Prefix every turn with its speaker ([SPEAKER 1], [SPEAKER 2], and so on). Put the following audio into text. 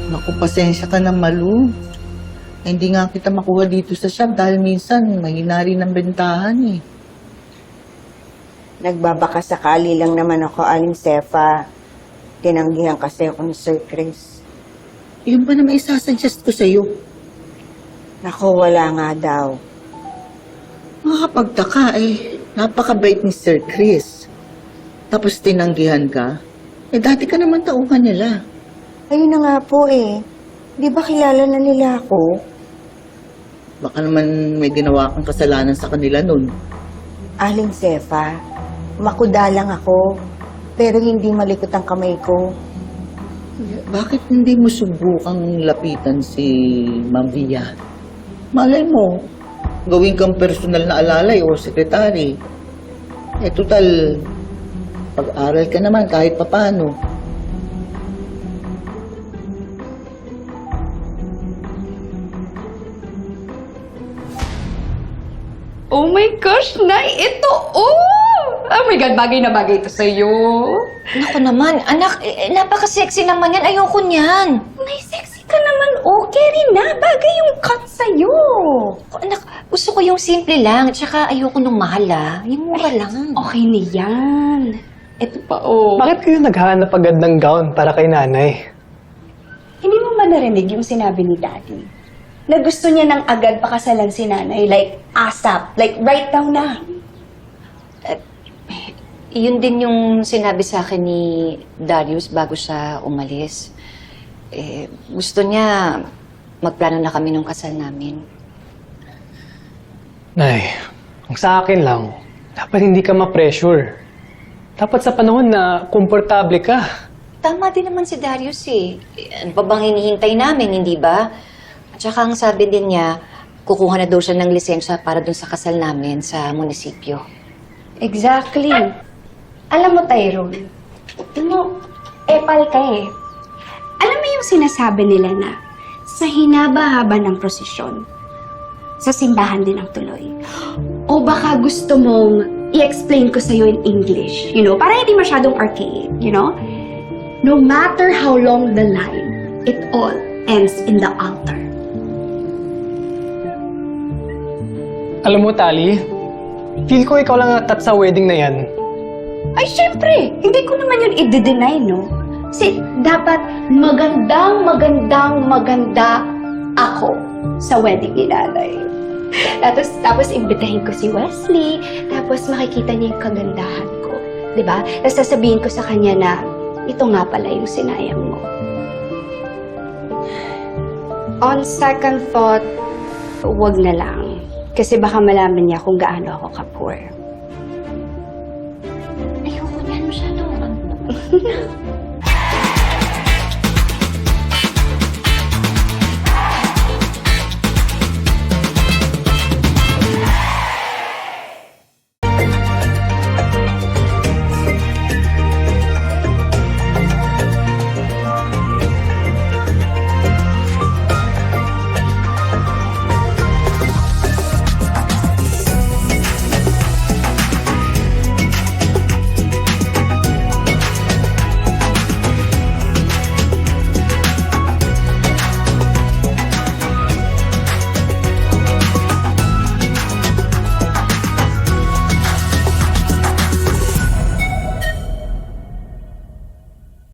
[SPEAKER 1] Naku, pasensya ka na, Malu. Hindi nga kita makuha dito sa shop dahil minsan mahina rin ang bentahan eh.
[SPEAKER 2] Nagbabaka sakali lang naman ako, Aling Sefa. Tinanggihan kasi ako ni Sir Chris.
[SPEAKER 1] Yun ba naman isasuggest ko sa'yo?
[SPEAKER 2] Naku, wala nga daw.
[SPEAKER 1] Makakapagtaka eh. Napakabait ni Sir Chris. Tapos tinanggihan ka? Eh dati ka naman tauhan nila.
[SPEAKER 2] Ayun na nga po eh. Di ba kilala na nila ako?
[SPEAKER 1] Baka naman may ginawa kang kasalanan sa kanila nun.
[SPEAKER 2] Aling Sefa, makuda lang ako. Pero hindi malikot ang kamay ko.
[SPEAKER 1] Bakit hindi mo subukang lapitan si Ma'am Via? Malay mo, gawin kang personal na alalay o sekretary. Eh, total, pag-aral ka naman kahit papano.
[SPEAKER 3] Oh my gosh, Nay! Ito, oh my God, bagay na bagay ito sa'yo.
[SPEAKER 4] Naku naman, anak, napaka-sexy naman yan. Ayoko niyan.
[SPEAKER 3] Nay, sexy ka naman. Okay rin na. Bagay yung cut sa'yo.
[SPEAKER 4] Anak, gusto ko yung simple lang. Tsaka ayoko nung mahal, ah. Yung mura lang.
[SPEAKER 3] Okay na yan. Ito pa, oh.
[SPEAKER 5] Bakit kayo naghahanap agad ng gown para kay nanay?
[SPEAKER 3] Hindi mo ba narinig yung sinabi ni Daddy? Na gusto niya nang agad pakasalan si Nanay. Like, ASAP. Like, right now na.
[SPEAKER 4] Yun din yung sinabi sa akin ni Darius bago siya umalis. Gusto niya magplano na kami nung kasal namin.
[SPEAKER 5] Nay, ang sa akin lang, dapat hindi ka ma-pressure. Dapat sa panahon na komportable ka.
[SPEAKER 4] Tama din naman si Darius eh. Ano pa bang hinihintay namin, hindi ba? At saka ang sabi din niya, kukuha na daw siya ng lisensya para dun sa kasal namin sa munisipyo.
[SPEAKER 3] Exactly. Alam mo, Tyrone, epal ka eh. Alam mo yung sinasabi nila na sa hinaba-haba ng prosesyon, sa simbahan din ang tuloy. O baka gusto mong i-explain ko sa'yo in English, you know, para hindi masyadong archaic, you know? No matter how long the line, it all ends in the altar.
[SPEAKER 5] Alam mo, Tali, feel ko ikaw lang natat sa wedding na yan.
[SPEAKER 3] Ay, syempre! Hindi ko naman yun i-deny, no? Kasi dapat maganda ako sa wedding ni Nanay. Tapos imbitahin ko si Wesley, tapos makikita niya yung kagandahan ko. Diba? Tapos sasabihin ko sa kanya na, ito nga pala yung sinayang mo. On second thought, wag na lang. Kasi baka malaman niya kung gaano ako ka-poor.
[SPEAKER 4] Ayoko niyan masyado.